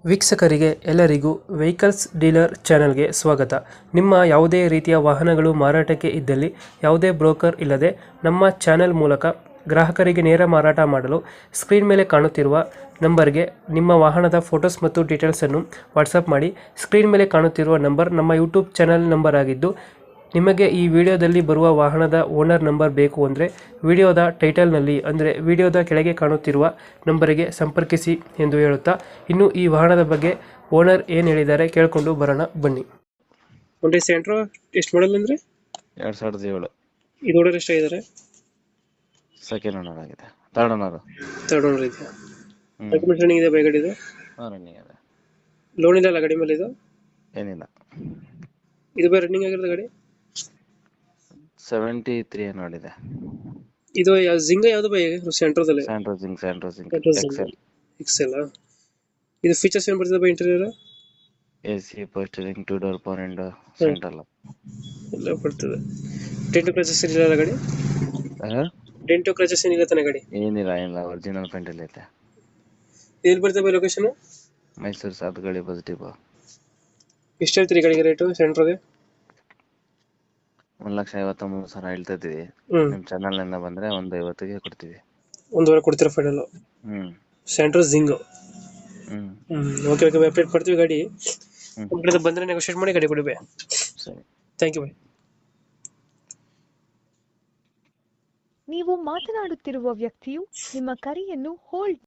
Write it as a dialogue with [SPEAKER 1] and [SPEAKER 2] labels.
[SPEAKER 1] ವೀಕ್ಷಕರಿಗೆ ಎಲ್ಲರಿಗೂ vehicles dealer ಚಾನೆಲ್ಗೆ ಸ್ವಾಗತ. ನಿಮ್ಮ ಯಾವುದೇ ರೀತಿಯ ವಾಹನಗಳು ಮಾರಾಟಕ್ಕೆ ಇದ್ದಲ್ಲಿ ಯಾವುದೇ ಬ್ರೋಕರ್ ಇಲ್ಲದೆ ನಮ್ಮ ಚಾನೆಲ್ ಮೂಲಕ ಗ್ರಾಹಕರಿಗೆ ನೇರ ಮಾರಾಟ ಮಾಡಲು ಸ್ಕ್ರೀನ್ ಮೇಲೆ ಕಾಣುತ್ತಿರುವ ನಂಬರ್ಗೆ ನಿಮ್ಮ ವಾಹನದ ಫೋಟೋಸ್ ಮತ್ತು ಡೀಟೇಲ್ಸನ್ನು ವಾಟ್ಸಪ್ ಮಾಡಿ. ಸ್ಕ್ರೀನ್ ಮೇಲೆ ಕಾಣುತ್ತಿರುವ ನಂಬರ್ ನಮ್ಮ ಯೂಟ್ಯೂಬ್ ಚಾನೆಲ್ ನಂಬರ್ ಆಗಿದ್ದು, ನಿಮಗೆ ಈ ವಿಡಿಯೋದಲ್ಲಿ ಬರುವ ವಾಹನದ ಓನರ್ ನಂಬರ್ ಬೇಕು ಅಂದರೆ ವಿಡಿಯೋದ ಟೈಟಲ್ನಲ್ಲಿ ಅಂದರೆ ವಿಡಿಯೋದ ಕೆಳಗೆ ಕಾಣುತ್ತಿರುವ ನಂಬರಿಗೆ ಸಂಪರ್ಕಿಸಿ ಎಂದು ಹೇಳುತ್ತಾ, ಇನ್ನು ಈ ವಾಹನದ ಬಗ್ಗೆ ಓನರ್ ಏನು ಹೇಳಿದ್ದಾರೆ ಕೇಳಿಕೊಂಡು ಬರೋಣ ಬನ್ನಿ. ಒಂದು ಸೆಂಟ್ರೋ ಎಷ್ಟು ಮಾಡಲ್ ಅಂದರೆ
[SPEAKER 2] 2007
[SPEAKER 1] ಇದು ಓನರ್ ಎಷ್ಟಾಗಿದ್ದಾರೆ?
[SPEAKER 2] ಸೆಕೆಂಡ್ ಓನರ್ ಆಗಿದೆ. Third owner.
[SPEAKER 1] ಥರ್ಡ್ ಓನರ್ ಇದೆಯಾ? ಡಾಕ್ಯುಮೆಂಟ್ಸ್ ರನ್ನಿಂಗ್ ಇದೆ ಬೈ ಗಾಡಿ ಇದು?
[SPEAKER 2] ರನ್ನಿಂಗ್ ಇದೆ.
[SPEAKER 1] ಲೋನ್ ಇಲ್ಲ ಅಲ್ಲ ಗಾಡಿ ಮೇಲೆ ಇದು?
[SPEAKER 2] ಏನಿಲ್ಲ.
[SPEAKER 1] ಇದು ಬೈ ರನ್ನಿಂಗ್ ಆಗಿರೋದು ಗಾಡಿ?
[SPEAKER 2] 73 ನೋಡಿದೆ.
[SPEAKER 1] ಇದು ಜಿಂಗ ಯಾವುದು ಬೈ ಸೆಂಟ್ರೋದಲ್ಲಿ?
[SPEAKER 2] Santro Xing excel.
[SPEAKER 1] ಎಕ್ಸೆಲ್. ಇದು ಫೀಚರ್ಸ್ ಏನು ಬರ್ತದೆ ಬೈ interior?
[SPEAKER 2] AC, power steering, 2 door power window, central
[SPEAKER 1] ಎಲ್ಲ ಬರ್ತದೆ. ಡೆಂಟೋ ಕ್ರಚಸ್ ಏನಿಲ್ಲ ಗಾಡಿ? ಡೆಂಟೋ ಕ್ರಚಸ್ ಏನಿಲ್ಲ ತಾನೆ ಗಾಡಿ?
[SPEAKER 2] ಏನಿಲ್ಲ ಒರಿಜಿನಲ್ ಪೇಂಟ್ ಅಲ್ಲಿ ಐತೆ.
[SPEAKER 1] ಎಲ್ಲಿ ಬರ್ತದೆ ಬೈ ಲೊಕೇಶನ್?
[SPEAKER 2] ಮೈಸೂರು ಸಾತ್ಗಳಿ ಪಾಸಿಟಿವ್.
[SPEAKER 1] ಎಷ್ಟು ಹೇಳ್ತೀರಿ ಗಾಡಿಗೆ ರೇಟು ಸೆಂಟ್ರೋಗೆ?
[SPEAKER 2] 1,53,000 ಹೇಳ್ತಾ ಇದ್ದೀವಿ. ನಿಮ್ ಚಾನಲ್ ನಿಂದ ಬಂದ್ರೆ 1,50,000ಗೆ ಕೊಡ್ತೀವಿ.
[SPEAKER 1] ಒಂದೂವರೆ ಕೊಡ್ತೀರಾ final? Santro Xing. Okay update ಮಾಡ್ತೀವಿ ಗಾಡಿ. ನಮ್ಮ ಕಡೆ ಬಂದ್ರೆ ನೆಗೋಷಿಯೇಟ್ ಮಾಡಿ ಗಾಡಿ ಕೊಡಿ ಬೈ.
[SPEAKER 2] ಸರಿ,
[SPEAKER 1] ಥ್ಯಾಂಕ್ ಯು ಬೈ.
[SPEAKER 3] ನೀವು ಮಾತನಾಡುತ್ತಿರುವ ವ್ಯಕ್ತಿಯು ನಿಮ್ಮ ಕರೆಯನ್ನು ಹೋಲ್ಡ್